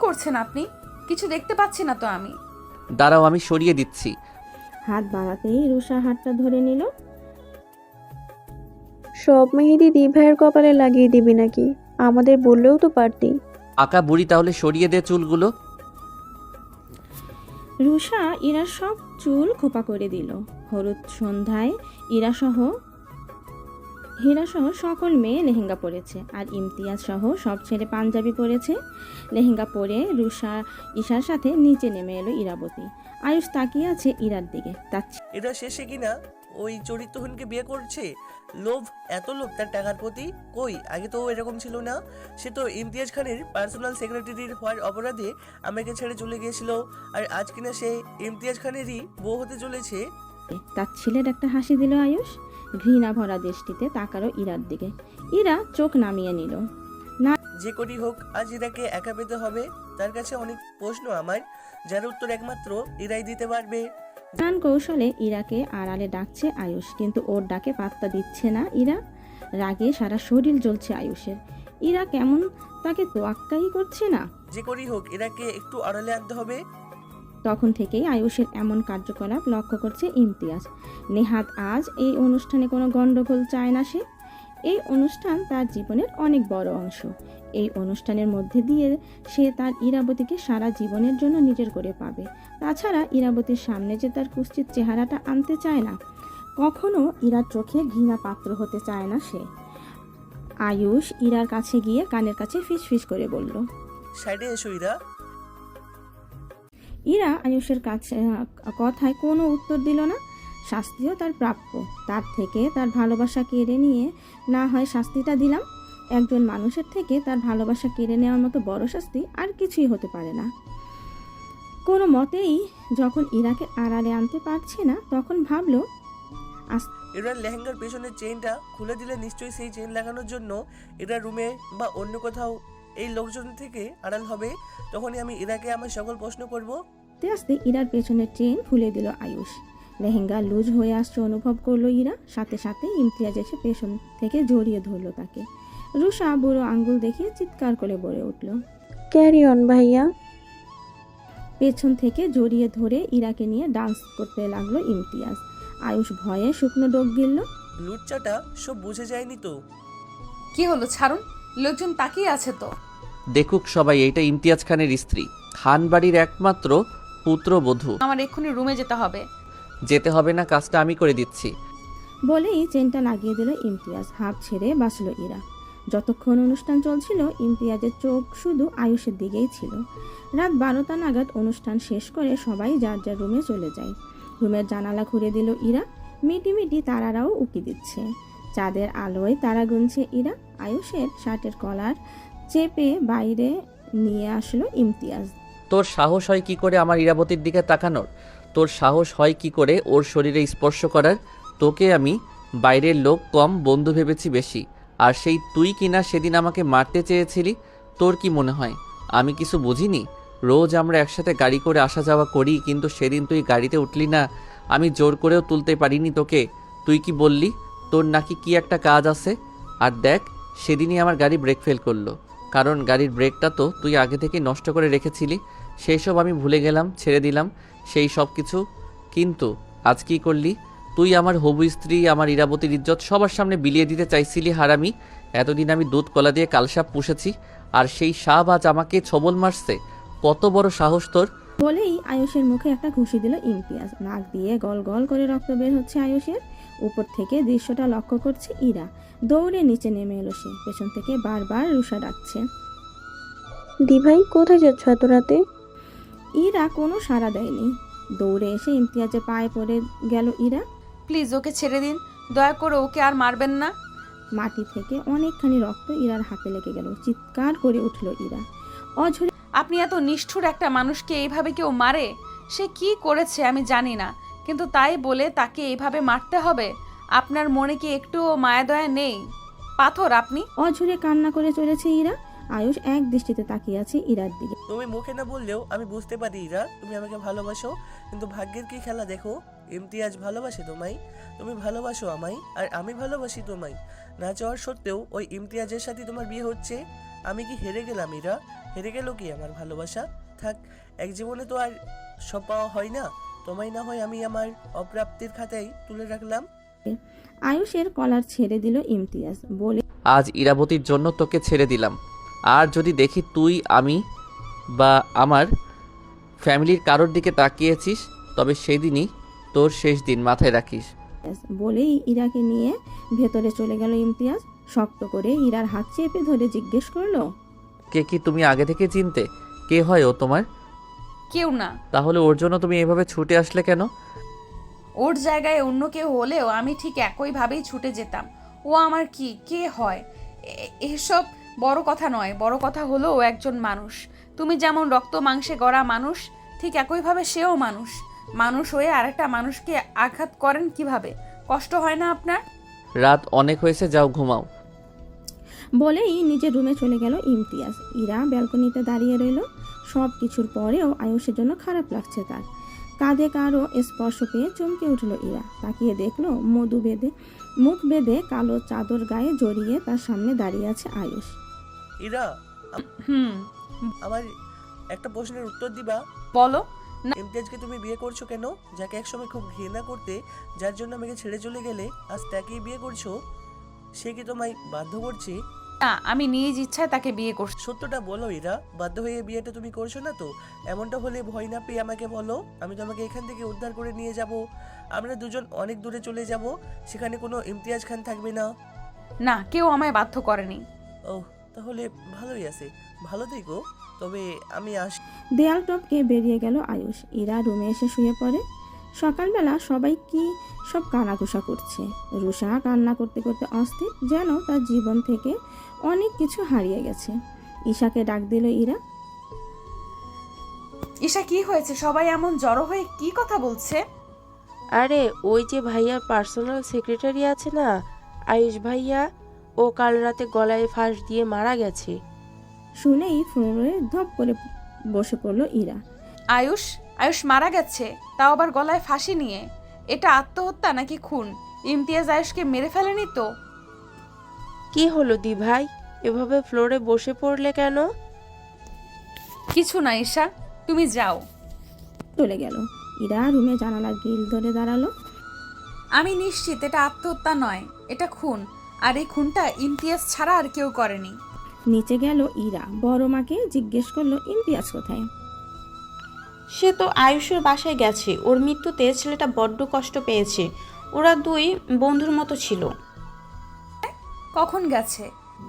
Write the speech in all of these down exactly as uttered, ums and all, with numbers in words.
করছেন আপনি? কিছু দেখতে পাচ্ছি না তো আমি। দাঁড়াও, আমি সরিয়ে দিচ্ছি। হাত বাড়াতেই রুষা হাতটা ধরে নিল। সব মেহেদি দি ভাইয়ের কপালে লাগিয়ে দিবি নাকি? আমাদের বললেও তো পারতি। আকা বুড়ি, তাহলে সরিয়ে দে চুলগুলো। রুষা ইরার সব চুল খোপা করে দিল। হলুদ সন্ধ্যায় ইরাসহ হীরাসহ সকল মেয়ে লেহেঙ্গা পরেছে, আর ইমতিয়াজ সহ সব ছেলে পাঞ্জাবি পরেছে। লেহেঙ্গা পরে রুষা ঈশার সাথে নিচে নেমে এলো ইরাবতী। আয়ুষ তাকিয়ে আছে ইরার দিকে। তার এটা শেষে কিনা ওই চরিত্রহীনকে বিয়ে করছে। লোভ, এত লোভ তার টাকার প্রতি। কই, আগে তো ও এরকম ছিল না। সে তো ইমতিয়াজ খানের পার্সোনাল সেক্রেটারির হওয়ার অপরাধে আমাকে ছেড়ে চলে গিয়েছিল, আর আজ কিনা সে ইমতিয়াজ খানেরই বউ হতে চলেছে। তার ছেলের একটা হাসি দিল আয়ুষ। ঘৃণা ভরা দৃষ্টিতে তাকালো ইরার দিকে। ইরা চোখ নামিয়ে নিল। যে করি হোক, আজ ইরাকে একা পেতে হবে। তার কাছে অনেক প্রশ্ন আমার, যার উত্তর একমাত্র ইরাই দিতে পারবে। নানান কৌশলে ইরাকে আড়ালে ডাকছে আয়ুষ, কিন্তু ওর ডাকে পাত্তা দিচ্ছে না ইরা। রাগে সারা শরীর জ্বলছে আয়ুষের। ইরা কেমন তাকে তোয়াক্কাই করছে না। যে করি হোক, ইরাকে একটু আড়ালে আনতে হবে। তখন থেকেই আয়ুষের এমন কার্যকলাপ লক্ষ্য করছে ইমতিয়াজ। নেহাত আজ এই অনুষ্ঠানে কোনো গণ্ডগোল চায় না সে। এই অনুষ্ঠান তার জীবনের অনেক বড় অংশ। এই অনুষ্ঠানের মধ্যে দিয়ে সে তার ইরাবতীকে সারা জীবনের জন্য নিজের করে পাবে। তাছাড়া ইরাবতীর সামনে যে তার কুৎসিত চেহারাটা আনতে চায় না, কখনো ইরার চোখে ঘৃণা পাত্র হতে চায় না সে। আয়ুষ ইরার কাছে গিয়ে কানের কাছে ফিস ফিস করে বলল, সাইডে এসো ইরা। ইরা আয়ুষের কাছে কথায় কোনো উত্তর দিল না। শাস্তিও তার প্রাপ্য। তার থেকে তার ভালোবাসা কেড়ে নিয়ে না হয় শাস্তিটা দিলাম। একজন মানুষের থেকে তার ভালোবাসা কেড়ে নেওয়ার মতো বড় শাস্তি আর কিছুই হতে পারে না। কোনো মতেই যখন ইরাকে আড়ালে আনতে পারছে না, তখন ভাবলো এরার লেহেঙ্গার পেছনের চেইনটা খুলে দিলে নিশ্চয়ই সেই চেইন লাগানোর জন্য এরা রুমে বা অন্য কোথাও এই লোকজন থেকে আড়াল হবে। তখনই আমি ইরাকে আমার সকল প্রশ্ন করব। আস্তে আস্তে ইরার পেছনের চেইন খুলে দিল আয়ুষ। লেহেঙ্গা লুজ হয়ে আসছে অনুভব করলো ইরা। সাথে সাথে ইমতিয়াজ এসে পেছন থেকে জড়িয়ে ধরলো তাকে। রুষা বুড়ো আঙ্গুল দেখিয়ে চিৎকার করে বলে উঠল, ক্যারি অন ভাইয়া। পেছন থেকে জড়িয়ে ধরে ইরাকে নিয়ে ডান্স করতে লাগলো ইমতিয়াজ। আয়ুষ ভয়ে শুকনো ডোক গিলল। লুচ্চাটা সব বুঝে যায়নি তো? কি হলো, ছাড়ুন, লোকজন তাকিয়ে আছে তো। দেখুক সবাই, এইটা ইমতিয়াজ খানের স্ত্রী, খান বাড়ির একমাত্র পুত্রবধূ। আমার এক্ষুনি রুমে যেতে হবে। যেতে হবে না, কাজটা আমি করে দিচ্ছি। বলেই চেনটা লাগিয়ে দিল ইমতিয়াজ। হাঁপ ছেড়ে বাঁচল ইরা। যতক্ষণ অনুষ্ঠান চলছিল, ইমতিয়াজের চোখ শুধু আয়ুষের দিকেই ছিল। রাত বারোটা নাগাদ অনুষ্ঠান শেষ করে সবাই যার যার রুমে চলে যায়। রুমের জানালা খুলে দিল ইরা। মিটি মিটি তারারাও উকি দিচ্ছে। চাঁদের আলোয় তারা গুনছে ইরা। আয়ুষের শার্টের কলার চেপে বাইরে নিয়ে আসলো ইমতিয়াজ। তোর সাহস হয় কি করে আমার ইরাবতীর দিকে তাকানোর? তোর সাহস হয় কি করে ওর শরীরে স্পর্শ করার? তোকে আমি বাইরের লোক কম, বন্ধু ভেবেছি বেশি। আর সেই তুই কিনা সেদিন আমাকে মারতে চেয়েছিলি। তোর কি মনে হয় আমি কিছু বুঝিনি? রোজ আমরা একসাথে গাড়ি করে আসা যাওয়া করি, কিন্তু সেদিন তুই গাড়িতে উঠলি না। আমি জোর করেও তুলতে পারিনি তোকে। তুই কি বললি তোর নাকি কি একটা কাজ আছে? আর দেখ, সেদিনই আমার গাড়ি ব্রেক ফেল করলো, কারণ গাড়ির ব্রেকটা তো তুই আগে থেকে নষ্ট করে রেখেছিলি। সেই সব আমি ভুলে গেলাম, ছেড়ে দিলাম সেই সব কিছু। কিন্তু আজ কি করলি তুই? আমার হবু স্ত্রী, আমার ইরাবতীর ইজ্জত সবার সামনে বিলিয়ে দিতে চাইছিলি হারামি। এতদিন আমি দুধ কলা দিয়ে কালসাপ পুষেছি, আর সেই সাপ আজ আমাকে ছবল মারছে। কত বড় সাহস তোর! বলেই আয়ুষের মুখে একটা ঘুষি দিল ইমতিয়াজ। নাক দিয়ে গল গল করে রক্ত বের হচ্ছে আয়ুষের। উপর থেকে দৃশ্যটা লক্ষ্য করছে ইরা। দৌড়ে নিচে নেমে এলো সে। পেছন থেকে বারবার রুষা ডাকছে, দি ভাই কোথায় যাচ্ছ এত রাতে? ইরা কোনো সাড়া দেয়নি। দৌড়ে এসে ইমতিয়াজের পায়ে পড়ে গেল ইরা। প্লিজ ওকে ছেড়ে দিন, দয়া করে ওকে আর মারবেন না। মাটি থেকে অনেকখানি রক্ত ইরার হাতে লেগে গেল। চিৎকার করে উঠল ইরা। অঝরে আপনি এত নিষ্ঠুর একটা মানুষকে এইভাবে কেউ মারে? সে কি করেছে আমি জানি না, কিন্তু তাই বলে তাকে এইভাবে মারতে হবে? আপনার মনে কি একটুও মায়া দয়া নেই? পাথর আপনি। অঝরে কান্না করে চলেছে ইরা। আয়ুষ এক দৃষ্টিতে তাকিয়ে আছে ইরার দিকে। তুমি মুখে না বললেও আমি বুঝতে পারি ইরা, তুমি আমাকে ভালোবাসো। কিন্তু ভাগ্যের কি খেলা দেখো, ইমতিয়াজ ভালোবাসে তোমায়, তুমি ভালোবাসো আমায়, আর আমি ভালোবাসি তোমায়। না চাওয়ার সত্ত্বেও ওই ইমতিয়াজের সাথে তোমার বিয়ে হচ্ছে। আমি কি হেরে গেলাম ইরা? হেরে গেল কি আমার ভালোবাসা? থাক, এক জীবনে তো আর সব পাওয়া হয় না। তোমায় না হয় আমি আমার অপ্রাপ্তির খাতায় তুলে রাখলাম। আয়ুষের কলার ছেড়ে দিল ইমতিয়াজ, বলে আজ ইরাবতীর জন্য তোকে ছেড়ে দিলাম। আর যদি দেখি তুই আমি বা আমার ফ্যামিলির কারোর দিকে তাকিয়েছিস, তবে সেদিনই তোর শেষ দিন, মাথায় রাখিস। বলেই ইরাকে নিয়ে ভেতরে চলে গেল ইমতিয়াজ। শক্ত করে ইরার হাত চেপে ধরে জিজ্ঞেস করলো, কে কি তুমি আগে থেকে চিনতে? কে হয় ও তোমার? কেউ না। তাহলে ওর জন্য তুমি এভাবে ছুটে আসলে কেন? ওর জায়গায় অন্য কেউ হলেও আমি ঠিক একইভাবেই ছুটে যেতাম। ও আমার কি কে হয় এ- এসব বড় কথা নয়। বড় কথা হলো ও একজন মানুষ। তুমি যেমন রক্ত মাংসে গড়া মানুষ, ঠিক একইভাবে সেও মানুষ। মানুষ হয়ে আরেকটা মানুষকে আঘাত করেন কিভাবে? কষ্ট হয় না আপনার? রাত অনেক হয়েছে, যাও ঘুমাও। বলেই নিজের রুমে চলে গেল ইমতিয়াজ। ইরা ব্যালকনিতে দাঁড়িয়ে রইল। সব কিছুর পরেও আয়ুষের জন্য খারাপ লাগছে তার। কাঁধে কারো স্পর্শ পেয়ে চমকে উঠল ইরা। তাকিয়ে দেখলো মধু বেঁধে মুখ বেঁধে কালো চাদর গায়ে জড়িয়ে তার সামনে দাঁড়িয়ে আছে আয়ুষ। ইরা, হুম, আমার একটা প্রশ্নের উত্তর দিবা? বলো। ইমতিয়াজকে তুমি বিয়ে করছো কেন? যাকে একসময় খুব ঘৃণা করতে, যার জন্য আমাকে ছেড়ে চলে গেলে, আজ তাকেই বিয়ে করছো। সে কি তোমায় বাধ্য করছে? না, আমি নিজ ইচ্ছায় তাকে বিয়ে করছি। সত্যটা বলো ইরা, বাধ্য হয়ে বিয়েটা তুমি করছো না তো? এমনটা হলে ভয় না পেয়ে আমাকে বলো, আমি তোমাকে এখান থেকে উদ্ধার করে নিয়ে যাব। আমরা দুজন অনেক দূরে চলে যাব, সেখানে কোনো ইমতিয়াজ খান থাকবে না। না, কেউ আমায় বাধ্য করেনি। ও, তাহলে ভালোই আছে, ভালো থেকো। তবে আমি আস দেয়াল টপকে বেরিয়ে গেল আয়ুষ। ইরা রুমে এসে শুয়ে পড়ে। সকালবেলা সবাই কি সব কানাঘুষা করছে। রুষা কান্না করতে করতে অস্থির, যেন তার জীবন থেকে অনেক কিছু হারিয়ে গেছে। ঈশাকে ডাক দিল ইরা। ঈশা, কি হয়েছে? সবাই এমন জড়ো হয়ে কি কথা বলছে? আরে ওই যে ভাইয়ার পার্সোনাল সেক্রেটারি আছে না, আয়ুষ ভাইয়া, ও কাল রাতে গলায় ফাঁস দিয়ে মারা গেছে। শুনেই ফ্লোরে ধপ করে বসে পড়ল ইরা। আয়ুষ আয়ুষ মারা গেছে, তাও আবার গলায় ফাঁসি নিয়ে। এটা আত্মহত্যা নাকি খুন? ইমতিয়াজ আয়ুষকে মেরে ফেলেনি তো? কি হলো দি ভাই, এভাবে ফ্লোরে বসে পড়লে কেন? কিছু না ঈশা, তুমি যাও। চলে গেল। ইরা রুমে জানালার গ্রিল ধরে দাঁড়ালো। আমি নিশ্চিত এটা আত্মহত্যা নয়, এটা খুন। আর এই খুনটা ইমতিয়াজ ছাড়া আর কেউ করেনি। নিচে গেল ইরা, বড় মাকে জিজ্ঞেস করলো ইমতিয়াজ কোথায়। সে তো আয়ুষের বাসায় গেছে। ওর মৃত্যুতে ছেলেটা বড্ড কষ্ট পেয়েছে। ওরা দুই বন্ধুর মতো ছিল। কখন গেছে?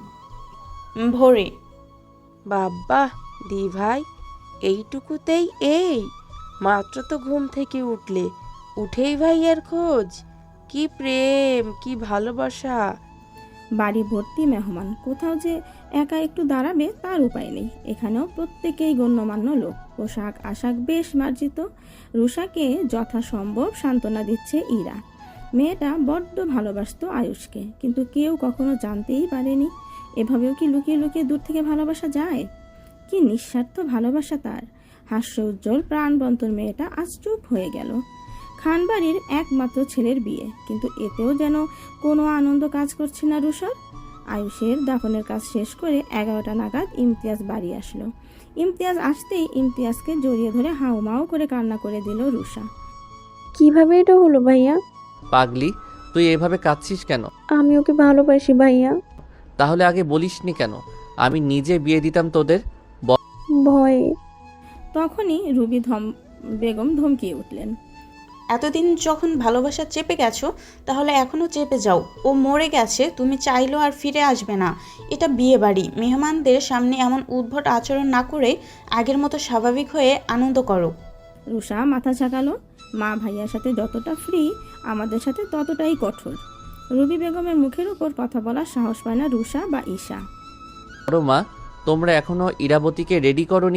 ভোরে। বাবা দি ভাই, এইটুকুতেই এই মাত্র তো ঘুম থেকে উঠলে, উঠেই ভাইয়ার খোঁজ। কি প্রেম, কি ভালোবাসা। বাড়ি ভর্তি মেহমান, কোথাও যে একা একটু দাঁড়াবে তার উপায় নেই। এখানেও প্রত্যেকেই গণ্যমান্য লোক, পোশাক আশাক বেশ মার্জিত। রুষাকে যথাসম্ভব সান্ত্বনা দিচ্ছে ইরা। মেয়েটা বড্ড ভালোবাসতো আয়ুষকে, কিন্তু কেউ কখনো জানতেই পারেনি। এভাবেও কি লুকিয়ে লুকিয়ে দূর থেকে ভালোবাসা যায়? কি নিঃস্বার্থ ভালোবাসা তার! হাস্য উজ্জ্বল প্রাণবন্তর মেয়েটা আজ চুপ হয়ে গেল। খানবাড়ির একমাত্র ছেলের বিয়ে, কিন্তু এতেও যেন কোনো আনন্দ কাজ করছে না রুষার। আয়ুষের দাফনের কাজ শেষ করে এগারোটা নাগাদ ইমতিয়াজ বাড়ি আসলো। ইমতিয়াজ আসতেই ইমতিয়াজকে জড়িয়ে ধরে হাউমাউ করে কান্না করে দিল রুষা। কিভাবে এটা হলো ভাইয়া? পাগলি, তুই এভাবে কাঁদছিস কেন? আমি ওকে ভালোবাসি ভাইয়া। তাহলে আগে বলিসনি কেন? আমি নিজে বিয়ে দিতাম তোদের। ভয়ে। তখনই রুবি ধম বেগম ধমকিয়ে উঠলেন। এতদিন যখন ভালোবাসা চেপে গেছো, তাহলে এখনো চেপে যাও। ও মরে গেছে, তুমি চাইলেও আর ফিরে আসবে না। এটা বিয়ে বাড়ি, মেহমানদের সামনে এমন উদ্ভট আচরণ না করে আগের মতো স্বাভাবিক হয়ে আনন্দ করো। রুষা মাথা ঝাঁকালো। মা ভাইয়ার সাথে যতটা ফ্রি, আমাদের সাথে ততটাই কঠোর। রুবি বেগমের মুখের উপর কথা বলার সাহস পায় না রুষা বা ঈশা। বড় মা, তোমরা এখনো ইরাবতীকে রেডি করনি?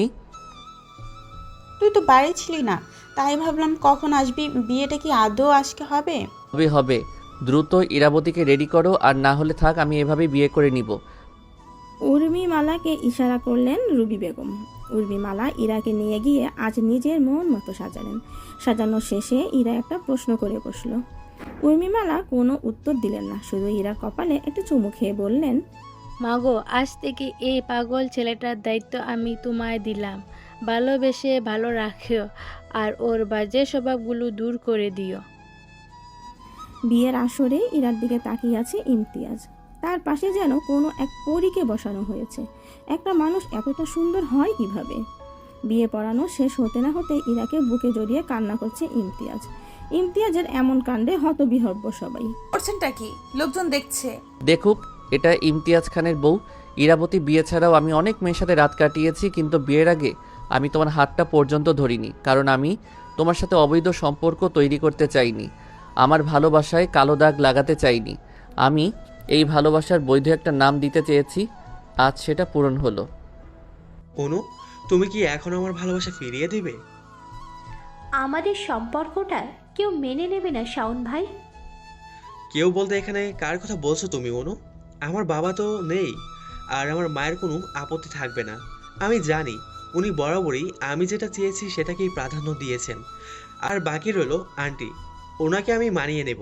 তুই তো বাড়ি ছিলি না, তাই ভাবলাম কখন আসবি। বিয়েটা কি আদৌ আজকে হবে? হবে হবে, দ্রুত ইরাবতীকে রেডি করো, আর না হলে থাক, আমি এভাবে বিয়ে করে নিব। উর্মিমালাকে ইশারা করলেন রুবি বেগম। উর্মিমালা ইরাকে নিয়ে গিয়ে আজ নিজের মন মতো সাজালেন। সাজানোর শেষে ইরা একটা প্রশ্ন করে বসল। উর্মিমালা কোনো উত্তর দিলেন না, শুধু ইরার কপালে একটু চুমু খেয়ে বললেন, মাগো, আজ থেকে এই পাগল ছেলেটার দায়িত্ব আমি তোমায় দিলাম। ভালোবেসে ভালো রাখিও আর ওর বাজে স্বভাবগুলো দূর করে দিও। বিয়ের আসরে ইরার দিকে তাকিয়ে আছে ইমতিয়াজ। তার পাশে যেন কোনো এক পরীকে বসানো হয়েছে। একটা মানুষ এতটা সুন্দর হয় কিভাবে? বিয়ে পড়ানো শেষ হতে না হতে ইরাকে বুকে জড়িয়ে কান্না করছে ইমতিয়াজ। ইমতিয়াজের এমন কাণ্ডে হতবিহ্বল সবাই। করছেনটা কি? লোকজন দেখছে। দেখুক, এটা ইমতিয়াজ খানের বউ ইরাবতী। বিয়ে ছাড়াও আমি অনেক মেয়ের সাথে রাত কাটিয়েছি, কিন্তু বিয়ের আগে আমি তোমার হাতটা পর্যন্ত ধরিনি, কারণ আমি তোমার সাথে অবৈধ সম্পর্ক তৈরি করতে চাইনি। আমার ভালোবাসায় কালো দাগ লাগাতে চাইনি। আমি এই ভালোবাসার বৈধ একটা নাম দিতে চেয়েছি, আজ সেটা পূরণ হলো। অনু, তুমি কি এখন আমার ভালোবাসা ফিরিয়ে দিবে? আমাদের সম্পর্কটা কেউ মেনে নেবে না শাওন ভাই। কেউ বলতে এখানে কার কথা বলছো তুমি অনু? আমার বাবা তো নেই, আর আমার মায়ের কোনো আপত্তি থাকবে না। আমি জানি উনি বরাবরই আমি যেটা চেয়েছি সেটাকেই প্রাধান্য দিয়েছেন। আর বাকি রইল আন্টি, ওনাকে আমি মানিয়ে নেব।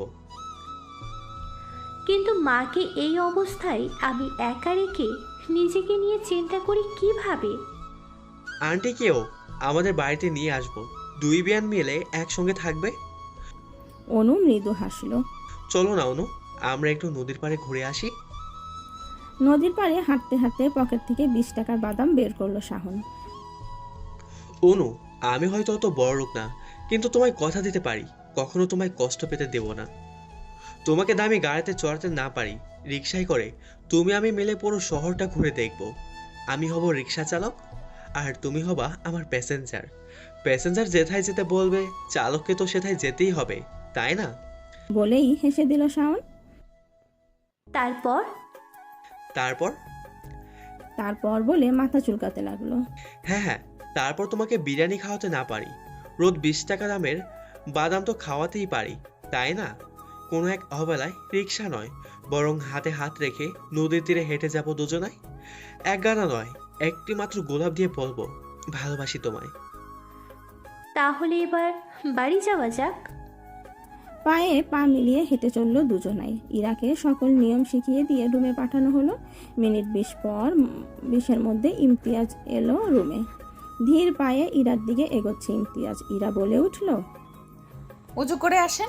কিন্তু মাকে এই অবস্থায় আমি একা রেখে নিজেকে নিয়ে চিন্তা করি কিভাবে। আন্টিকেও আমাদের বাড়িতে নিয়ে আসবো, দুই বিয়ান মিলে একসঙ্গে থাকবে। অনু মৃদু হাসলো। চলো না অনু, আমরা একটু নদীর পাড়ে ঘুরে আসি। নদীর পাড়ে হাঁটতে হাঁটতে পকেট থেকে বিশ টাকার বাদাম বের করলো শাহন। অনু, আমি হয়তো অত বড় লোক না, কিন্তু তোমায় কথা দিতে পারি কখনো তোমায় কষ্ট পেতে দেব না। তোমাকে দামি গাড়িতে চড়াতে না পারি, রিক্সায় করে তুমি আমি মিলে পুরো শহরটা ঘুরে দেখব। আমি হব রিক্সা চালক আর তুমি হবা আমার প্যাসেঞ্জার। প্যাসেঞ্জার যেথায় যেতে বলবে চালককে তো সেথায় যেতেই হবে, তাই না? বলেই হেসে দিল শাওন। তারপর তারপর তারপর বলে মাথা চুলকাতে লাগলো। হ্যাঁ হ্যাঁ, তারপর তোমাকে বিরিয়ানি খাওয়াতে না পারি, রোজ বিশ টাকা দামের বাদাম তো খাওয়াতেই পারি, তাই না? কোনো এক অবেলায় রিক্সা নয়, বরং হাতে হাত রেখে নদীর তীরে হেঁটে যাব দুজনায়। এক গানা নয়, একটি মাত্র গোলাপ দিয়ে বলবো ভালোবাসি তোমায়। তাহলে এবার বাড়ি যাওয়া যাক। পায়ে পা মিলিয়ে হেঁটে চলল দুজনাই। ইরাকে সকল নিয়ম শিখিয়ে দিয়ে রুমে পাঠানো হলো। মিনিট বিশ পর বিশের মধ্যে ইমতিয়াজ এলো রুমে। ধীর পায়ে ইরার দিকে এগোচ্ছে ইমতিয়াজ। ইরা বলে উঠল, উজু করে আসেন।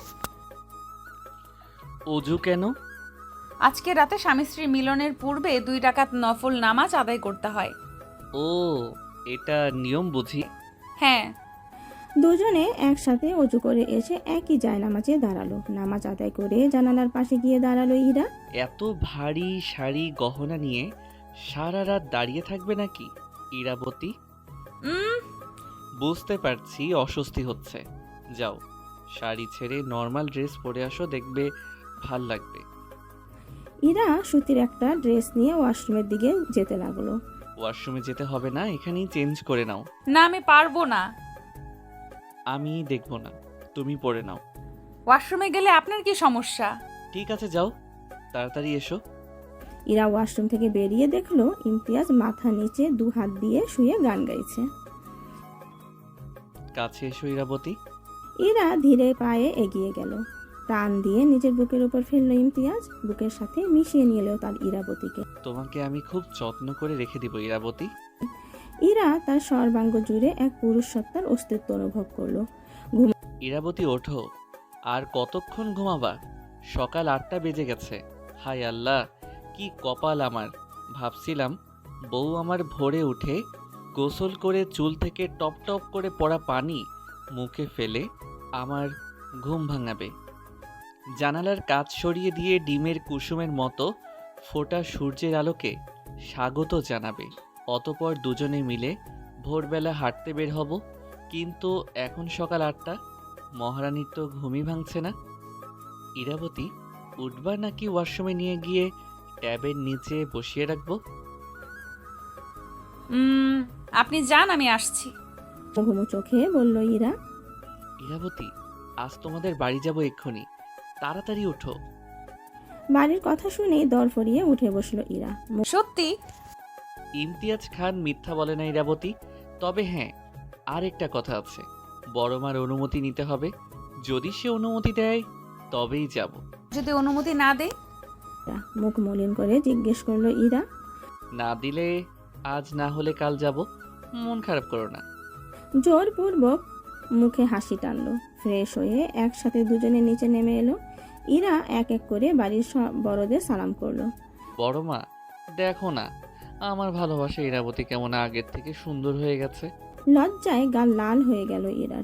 অজু কেন? আজকে রাতে স্বামী স্ত্রী মিলনের পূর্বে দুই রাকাত নফল নামাজ আদায় করতে হয়। ও, এটা নিয়ম বুঝি। হ্যাঁ। দুজনে একসাথে অজু করে এসে একই জায়নামাজে দাঁড়ালো। নামাজ আদায় করে জানালার পাশে গিয়ে দাঁড়ালো ইরা। এত ভারী শাড়ি গহনা নিয়ে সারা রাত দাঁড়িয়ে থাকবে নাকি ইরাবতী? উম বুঝতে পারছি অস্বস্তি হচ্ছে, যাও শাড়ি ছেড়ে নর্মাল ড্রেস পরে আসো, দেখবে ভাল লাগবে। ইরা সুতির একটা ড্রেস নিয়ে ওয়াশরুমের দিকে যেতে লাগলো। ওয়াশরুমে যেতে হবে না, এখানেই চেঞ্জ করে নাও। না, আমি পারবো না। আমি দেখব না, তুমি পরে নাও। ওয়াশরুমে গেলে আপনার কি সমস্যা? ঠিক আছে, যাও, তাড়াতাড়ি এসো। ইরা ওয়াশরুম থেকে বেরিয়ে দেখলো ইমতিয়াজ মাথা নিচে দু হাত দিয়ে শুয়ে গান গাইছে। কাছে এসো ইরাবতী। ইরা ধীরে পায়ে এগিয়ে গেল। টান দিয়ে নিজের বুকের উপর ফেললো ইমতিয়াজ। বুকের সাথে মিশিয়ে নিল তার ইরাবতীকে। তোমাকে আমি খুব যত্ন করে রেখে দিব ইরাবতী। ইরা তার সর্বাঙ্গ জুড়ে এক পুরুষ সত্তার অস্তিত্ব অনুভব করলো। ইরাবতী ওঠো, আর কতক্ষণ ঘুমাবা? সকাল আটটা বেজে গেছে। হায় আল্লাহ, কি কপাল আমার। ভাবছিলাম বউ আমার ভোরে উঠে গোসল করে চুল থেকে টপ টপ করে পড়া পানি মুখে ফেলে আমার ঘুম ভাঙাবে, জানালার কাচ সরিয়ে দিয়ে ডিমের কুসুমের মতো ফোটা সূর্যের আলোকে স্বাগত জানাবে, অতপর দুজনে মিলে ভোরবেলা হাঁটতে বের হব। কিন্তু এখন সকাল আটটা, মহারানীর তো ঘুমই ভাঙছে না। ইরাবতী, উঠবা নাকি ওয়াশরুমে নিয়ে গিয়ে ট্যাবের নিচে বসিয়ে রাখবো? উম আপনি যান, আমি আসছি। ঘুমো চোখে বলল ইরা। ইরাবতী, আজ তোমাদের বাড়ি যাব এক্ষুনি, তাড়াতাড়ি ওঠো। বাড়ির কথা শুনে দর ফরিয়ে উঠে বসলো ইরা। সত্যি? ইমতিয়াজ খান মিথ্যা বলে না ইরাবতী। তবে হ্যাঁ, আর একটা কথা আছে, বড় মার অনুমতি নিতে হবে। যদি সে অনুমতি দেয় তবেই যাব। যদি অনুমতি না দেয়? মুখ মলিন করে জিজ্ঞেস করলো ইরা। না দিলে আজ না হলে কাল যাব, মন খারাপ করো না। জোরপূর্বক মুখে হাসি টানলো। ফ্রেশ হয়ে একসাথে দুজনে নিচে নেমে এলো। ইরা এক এক করে বাড়ির সব বড়দের সালাম করলো। বড় মা, দেখো না আমার ভালোবাসা ইরাবতী কেমন আগের থেকে সুন্দর হয়ে গেছে। লজ্জায় গাল লাল হয়ে গেল ইরার।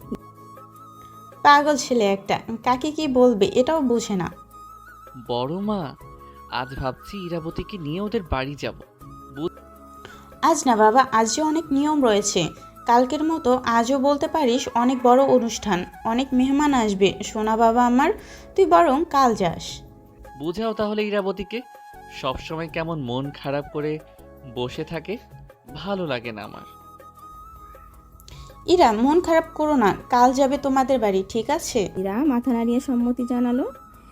পাগল ছেলে একটা, কাকে কি বলবে এটাও বোঝে না। বড় মা, আজ ভাবছি ইরাবতীকে নিয়ে ওদের বাড়ি যাব। আজ না বাবা, আজও অনেক নিয়ম রয়েছে। কালকের মতো আজও বলতে পারিস অনেক বড় অনুষ্ঠান, অনেক মেহমান আসবে সোনা বাবা আমার, তুই বরং কাল যাস। বুঝাও তাহলে ইরাবতীকে, সবসময় কেমন মন খারাপ করে বসে থাকে, ভালো লাগে না আমার। ইরা মন খারাপ করো না, কাল যাবে তোমাদের বাড়ি, ঠিক আছে? ইরা মাথা নাড়িয়ে সম্মতি জানালো।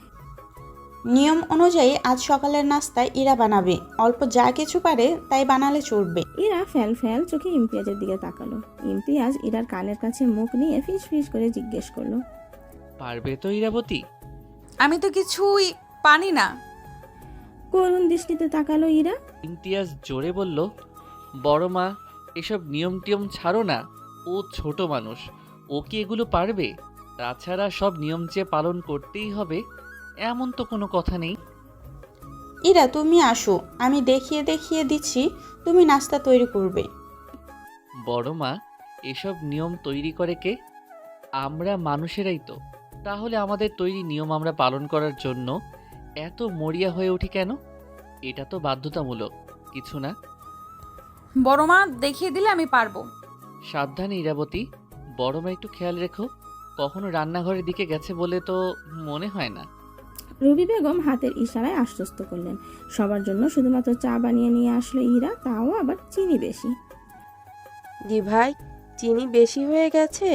নিয়ম অনুযায়ী আজ সকালের নাস্তায় ইরা বানাবে, অল্প যা কিছু পারে তাই বানালে চলবে। ইরা ফ্যাল ফ্যাল চোখে ইমতিয়াজের দিকে তাকালো। ইমতিয়াজ ইরার কানের কাছে মুখ নিয়ে ফিস ফিস করে জিজ্ঞেস করলো, পারবে তো ইরাবতী? আমি তো কিছুই পানি না। করুণ দৃষ্টিতে তাকালো ইরা। ইমতিয়াজ জোরে বলল, বড় মা এসব নিয়ম টিয়ম ছাড়ো না, ও ছোট মানুষ, ও কি এগুলো পারবে? তাছাড়া সব নিয়ম যে পালন করতেই হবে এমন তো কোনো কথা নেই। ইরা তুমি আসো, আমি দেখিয়ে দেখিয়ে দিচ্ছি, তুমি নাস্তা তৈরি করবে। বড় মা, এসব নিয়ম তৈরি করে কে? আমরা মানুষেরাই তো। তাহলে আমাদের তৈরি নিয়ম আমরা পালন করার জন্য এত মরিয়া হয়ে উঠি কেন? এটা তো বাধ্যতামূলক কিছু না। বড় মা দেখিয়ে দিলে আমি পারবো। সাবধানে ইরাবতী, বড় মা একটু খেয়াল রেখো, কখনো রান্নাঘরের দিকে গেছে বলে তো মনে হয় না। রুবি বেগম হাতের ইশারায় আশ্বস্ত করলেন। সবার জন্য শুধুমাত্র চা বানিয়ে নিয়ে আসলো ইরা, তাও আবার চিনি বেশি। দি ভাই, চিনি বেশি হয়ে গেছে।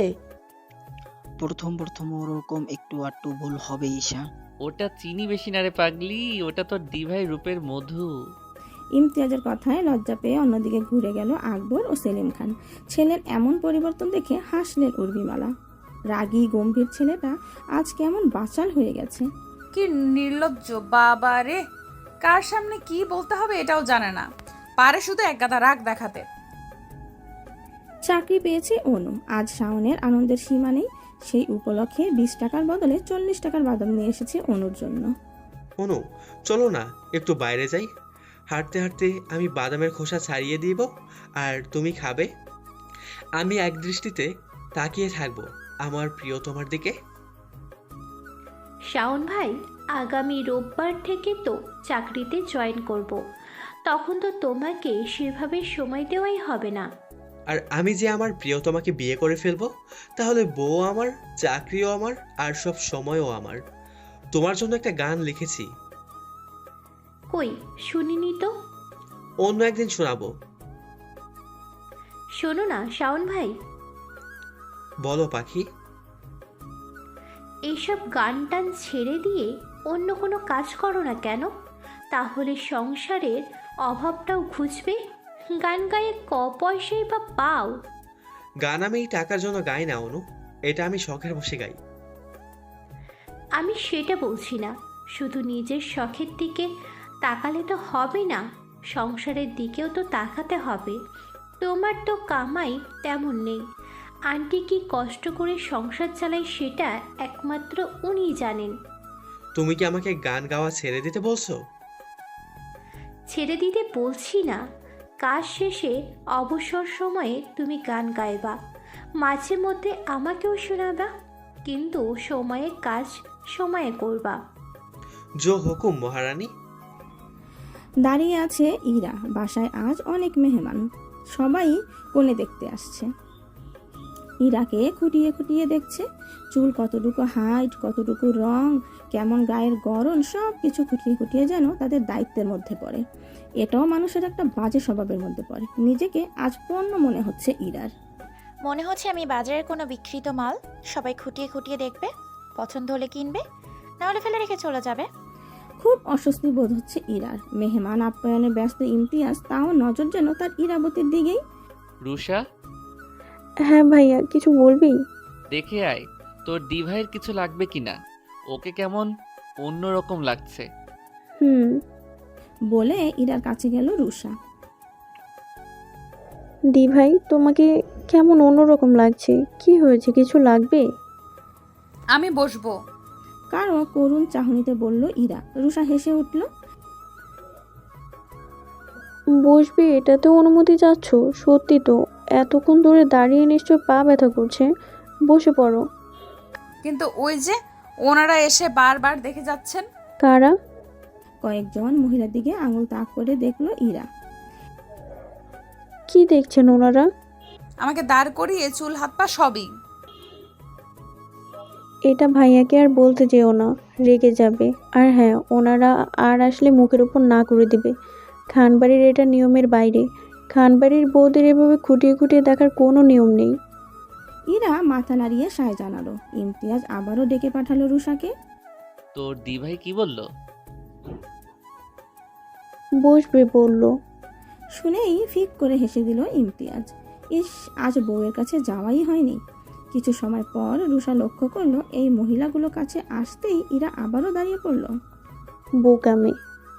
প্রথম প্রথম ওরকম একটু আটটু ভুল হবে ঈশা। ওটা চিনি বেশি না রে পাগলি, ওটা তো দিভাই রূপের মধু। ইমতিয়াজের কথায় লজ্জা পেয়ে অন্যদিকে ঘুরে গেল আকবর ও সেলিম খান। ছেলের এমন পরিবর্তন দেখে হাসলেন উর্মিমালা। রাগী গম্ভীর ছেলেটা আজ কেমন বাচাল হয়ে গেছে। কি নির্লজ্জ বাবা রে, কার সামনে কি বলতে হবে এটাও জানে না, পারে শুধু এক গাদা রাগ দেখাতে। চাকরি পেয়েছে অনু, আজ শাওনের আনন্দের সীমা নেই। সেই উপলক্ষে বিশ টাকার বদলে চল্লিশ টাকার বাদাম নিয়ে এসেছে অনুর জন্য। অনু, চলো না একটু বাইরে যাই। হাঁটতে হাঁটতে আমি বাদামের খোসা ছাড়িয়ে দিব আর তুমি খাবে। আমি এক দৃষ্টিতে তাকিয়ে থাকবো আমার প্রিয় তোমার দিকে। শাওন ভাই, আগামী রোববার থেকে তো চাকরিতে জয়েন করব। তখন তো তোমাকে সেভাবে সময় দেওয়াই হবে না। আর আমি যে আমার প্রিয় তোমাকে বিয়ে করে ফেলবো, তাহলে বউ আমার, চাকরিও আমার, আর সব সময়ও আমার। তোমার জন্য একটা গান লিখেছি। কই শুনিনি তো। অন্য একদিন শোনাবো। শোনো না শাওন ভাই। বলো পাখি। এইসব গান টান ছেড়ে দিয়ে অন্য কোনো কাজ করো না কেন? তাহলে সংসারের অভাবটাও ঘুচবে। গান গায়ে ক পয়সাই বা পাও। গান আমি টাকার জন্য গাই না অনু, এটা আমি শখের বসে গাই। আমি সেটা বলছি না, শুধু নিজের শখের দিকে তাকালে তো হবে না, সংসারের দিকেও তো তাকাতে হবে। তোমার তো কামাই তেমন নেই। আন্টি কি কষ্ট করে সংসার চালায় সেটা একমাত্র উনিই জানেন। তুমি কি আমাকে গান গাওয়া ছেড়ে দিতে বলছো? ছেড়ে দিতে বলছি না, কাজ শেষে অবসর সময়ে তুমি গান গাইবা, মাঝে মধ্যে আমাকেও শোনাবা, কিন্তু সময়ে কাজ সময়ে করবা। জো হুকুম মহারানী। দাঁড়িয়ে আছে ইরা। বাসায় আজ অনেক মেহমান, সবাই কোণে দেখতে আসছে। ইরাকে খুঁটিয়ে খুঁটিয়ে দেখছে। চুল কতটুকু, হাইট কতটুকু, রং কেমন, গায়ের গড়ন, সব কিছু খুঁটিয়ে খুঁটিয়ে যেন তাদের দায়িত্বের মধ্যে পড়ে। এটাও মানুষের একটা বাজে স্বভাবের মধ্যে পড়ে। নিজেকে আজ পণ্য মনে হচ্ছে ইরার। মনে হচ্ছে আমি বাজারের কোনো বিক্রিত মাল, সবাই খুঁটিয়ে খুঁটিয়ে দেখবে, পছন্দ হলে কিনবে, না হলে ফেলে রেখে চলে যাবে। খুব অস্বস্তি বোধ হচ্ছে ইরার। মেহমান আপ্যায়নে ব্যস্ত ইমতিয়াজ, তাও নজর যেন তার ইরাবতীর দিকেই। রুষা, হ্যাঁ ভাইয়া, কিছু বলবি? দেখে আয় তোর দিভাইয়ের কিছু লাগবে কিনা, ওকে কেমন অন্যরকম লাগছে। হুম। বলে ইরার কাছে গেল রুষা। দি ভাই তোমাকে কেমন অন্যরকম লাগছে, কি হয়েছে, কিছু লাগবে? আমি বসবো। কারো করুণ চাহনিতে বলল ইরা। রুষা হেসে উঠল। বসবে এটাতেও অনুমতি চাচ্ছ? সত্যি তো, এতক্ষণ ধরে দাঁড়িয়ে নিশ্চয় পা ব্যথা করছে, বসে পড়ো। কিন্তু ওই যে ওনারা এসে বারবার দেখে যাচ্ছেন। কারা? কয়েকজন মহিলার দিকে আঙুল তাক করে দেখলো ইরা। কি দেখছেন ওনারা? আমাকে দাঁড় করিয়ে চুল হাত পা সবই। এটা ভাইয়াকে আর বলতে যেও না, রেগে যাবে। আর হ্যাঁ, ওনারা আর আসলে মুখের উপর না করে দিবে। খানবাড়ির এটা নিয়মের বাইরে। খানবাড়ির বউদের এভাবে খুঁটিয়ে খুঁটিয়ে দেখার কোনো নিয়ম নেই। ইরা মাথা নাড়িয়ে সায় জানালো। ইমতিয়াজ আবারও ডেকে পাঠালো রুষাকে। তোর দি ভাই কি বলল? বসবে বলল। শুনেই ফিক করে হেসে দিল ইমতিয়াজ। ইস, আজ বউয়ের কাছে যাওয়াই হয়নি। কিছু সময় পর রুষা লক্ষ্য করলো এই মহিলাগুলো কাছে আসতেই ইরা আবারও দাঁড়িয়ে পড়ল। বোকামে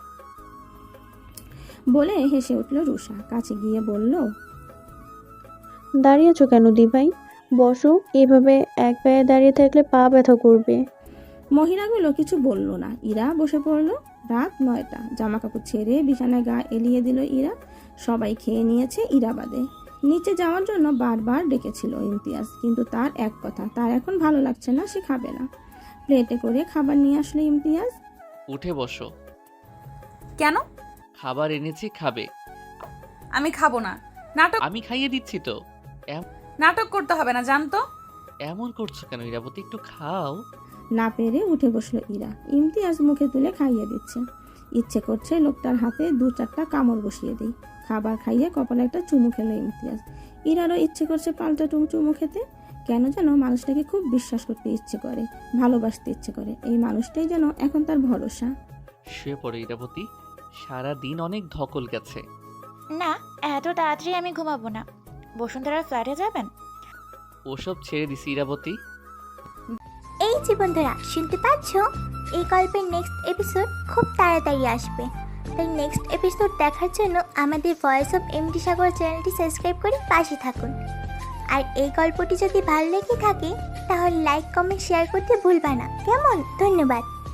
বলে হেসে উঠল রুষা। কাছে গিয়ে বলল, দাঁড়িয়েছো কেন দি ভাই? বসো, এভাবে এক পায়ে দাঁড়িয়ে থাকলে পা ব্যথা করবে। মহিলাগুলো কিছু বলল না। ইরা বসে পড়ল। রাত নয়টা। জামা কাপড় ছেড়ে বিছানায় গা এলিয়ে দিল ইরা। সবাই খেয়ে নিয়েছে ইরা বাদে। নিচে যাওয়ার জন্য বারবার ডেকেছিল ইমতিয়াজ, কিন্তু তার এক কথা, তার এখন ভালো লাগছে না, সে খাবে না। প্লেটে করে খাবার নিয়ে আসলো ইমতিয়াজ। উঠে বসো। কেন? খাবার এনেছি, খাবে। আমি খাবো না। নাটক আমি খাইয়ে দিচ্ছি তো। নাটক করতে হবে না, জানতো। এমন করছো কেন ইরাবতী, একটু খাও। না পেরে উঠে বসলো ইরা। ইমতিয়াজ মুখে তুলে খাইয়ে দিচ্ছে। ইচ্ছে করছে লোকটার হাতে দু চারটা কামড় বসিয়ে দিই। খাবার খাইয়ে কপালে একটা চুমু খেলো ইমতিয়াজ। ইরারও ইচ্ছে করছে পাল্টা টুম চুমু খেতে। কেন যেন মানুষটাকে খুব বিশ্বাস করতে ইচ্ছে করে, ভালোবাসতে ইচ্ছে করে। এই মানুষটাই যেন এখন তার ভরসা। শুয়ে পড়ো ইরাবতী, সারা দিন অনেক ধকল গেছে। না, এত তাড়াতাড়ি আমি ঘুমাবো না। বসুন্ধরার ফ্ল্যাটে যাবেন? ওসব ছেড়ে দিছি ইরাবতী। এই যে বন্ধুরা, শুনতে পাচ্ছ? এই গল্পের নেক্সট এপিসোড খুব তাড়াতাড়ি আসবে। তাই নেক্সট এপিসোড দেখার জন্য আমাদের ভয়েস অফ এমডি সাগর চ্যানেলটি সাবস্ক্রাইব করে পাশে থাকুন। আর এই গল্পটি যদি ভালো লেগে থাকে তাহলে লাইক কমেন্ট শেয়ার করতে ভুলবা না, কেমন? ধন্যবাদ।